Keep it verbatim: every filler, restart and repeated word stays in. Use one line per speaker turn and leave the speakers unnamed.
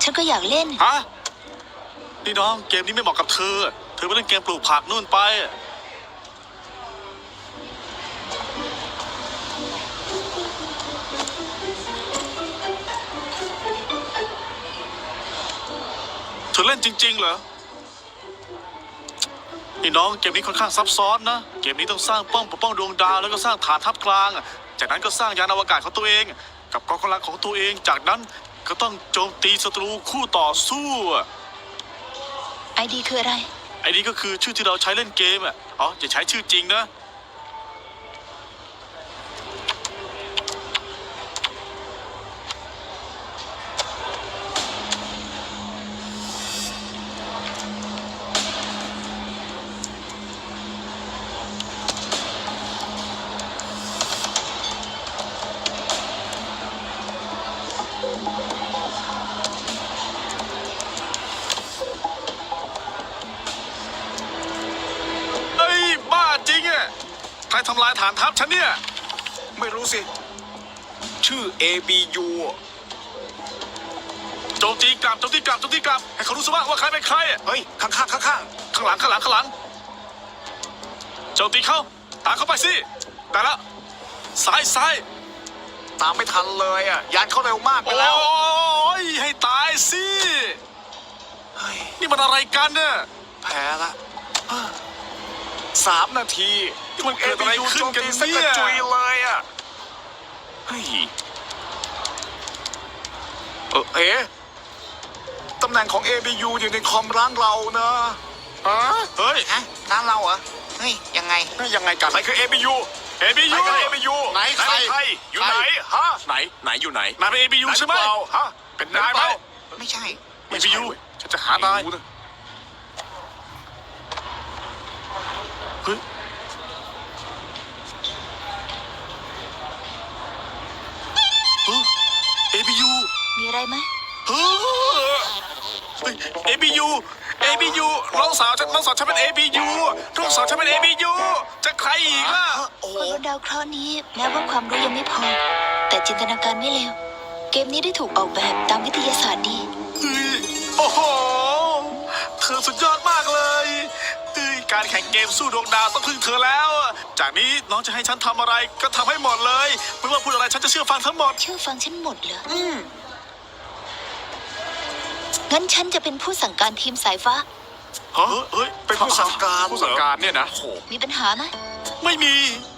ฉันก็อยากเล่น
ฮะนี่น้องเกมนี้ไม่เหมาะกับเธอเธอไปเล่นเกมปลูกผักนู่นไปเธอเล่นจริงๆเหรอนี่น้องเกมนี้ค่อนข้างซับซ้อนนะเกมนี้ต้องสร้างป้อมปกป้องดวงดาวแล้วก็สร้างฐานทัพกลางจากนั้นก็สร้างยานอวกาศของตัวเองกับกองกำลังของตัวเองจากนั้นก็ต้องโจมตีศัตรูคู่ต่อสู้
ไอดีคืออะไร
ไอดีก็คือชื่อที่เราใช้เล่นเกมอ่ะอ๋ออย่าใช้ชื่อจริงนะใครทำลายฐานทัพฉันเนี่ย
ไม่รู้สิชื่อ เอ บี ยู
โจมตีกลับโจมตีกลับโจมตีกลับให้เขารู้ซะว่าว่าใครเป็นใคร
เฮ้ยข้างข้างข้างข้าง
ข้างหลังข้างหลังข้างหลังโจมตีเข้าตามเข้าไปสิแต่ละซ้ายซ้าย
ตามไม่ทันเลยอ่ะยานเขาเร็วมากไปแล้ว
โอ้ยให้ตายสินี่มันอะไรกันเนี่ย
แพ้ละสามนาที
มันเกิดอะไรขึ้นกัน
เนี่ยกระจุยเลยอ่ะเฮ้ยเออเอ๊ะตำแหน่งของ เอ บี ยู อยู่ในคอมร้านเรานะ
ฮะเฮ้ย
ฮะร้านเราเหรอเฮ้ยยังไง
ยังไงกันใครคือ เอ บี ยู
เอ บี ยู
เอ บี ยู
ไหนใคร
อยู่ไหนฮะไหนไหนอยู่ไหน
นายเป็น เอ บี ยู ใช่ไหม
ฮะเป็นนายไหม
ไม่ใช่
เอ บี ยู ฉันจะหานายเฮ้ยเอ บี ยู
มีอะไรไหม
เฮ้ย เอ บี ยู เอ บี ยู น้องสาวฉันน้องสาวฉันเป็น เอ บี ยู น้องสาวฉันเป็น เอ บี ยู จะใครอีกล่ะ
คนบนดาวเคราะห์นี้แม้ว่าความรู้ยังไม่พอแต่จินตนาการไม่เลวเกมนี้ได้ถูกออกแบบตามวิทยาศาสตร์ดี
โอ้โหเธอสุดยอดมากเลยการแข่งเกมสู้ดวงดาวต้องพึ่งเธอแล้วจากนี้น้องจะให้ฉันทำอะไรก็ทำให้หมดเลยไม่ว่าพูดอะไรฉันจะเชื่อฟังทั้งหมด
เชื่อฟังฉันหมดเหรออืมงั้นฉันจะเป็นผู้สั่งการทีมสายฟ้า
เฮ้ยเป็นผู้สั่งการ
ผู้สั่งการเนี่ยนะโห
มีปัญหาไหม
ไม่มี